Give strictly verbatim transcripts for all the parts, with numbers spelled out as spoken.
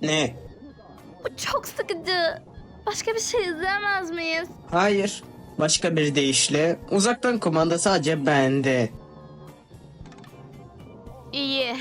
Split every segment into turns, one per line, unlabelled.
Ne?
Bu çok sıkıcı. Başka bir şey izleyemez miyiz?
Hayır. Başka bir deyişle uzaktan kumanda sadece bende.
İyi.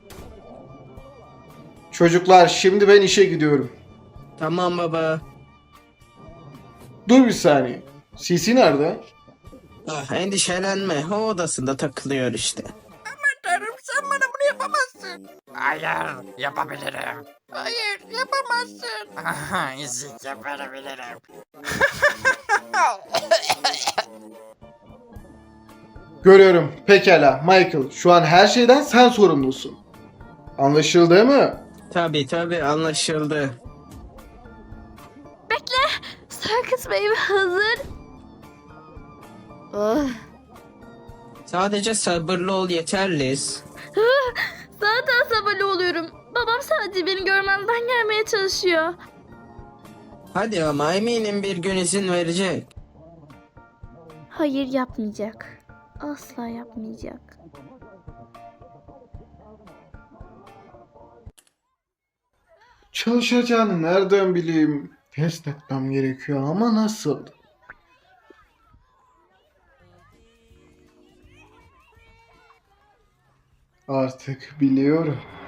Çocuklar şimdi ben işe gidiyorum.
Tamam baba.
Dur bir saniye. C C nerede?
Ah, endişelenme. O odasında takılıyor işte.
Tanrım sen bana bunu yapamazsın. Hayır yapabilirim. Hayır yapamazsın. Aha ezik yapabilirim.
Görüyorum. Pekala. Michael, şu an her şeyden sen sorumlusun. Anlaşıldı mı?
Tabii tabii anlaşıldı.
Bekle. Circus Baby hazır. Oh.
Sadece sabırlı ol yeter Liz.
Zaten sabırlı oluyorum. Babam sadece beni görmezden gelmeye çalışıyor.
Hadi ama eminim bir gün izin verecek.
Hayır yapmayacak. Asla yapmayacak.
Çalışacağını nereden bileyim? Test etmem gerekiyor ama nasıl? Artık biliyorum.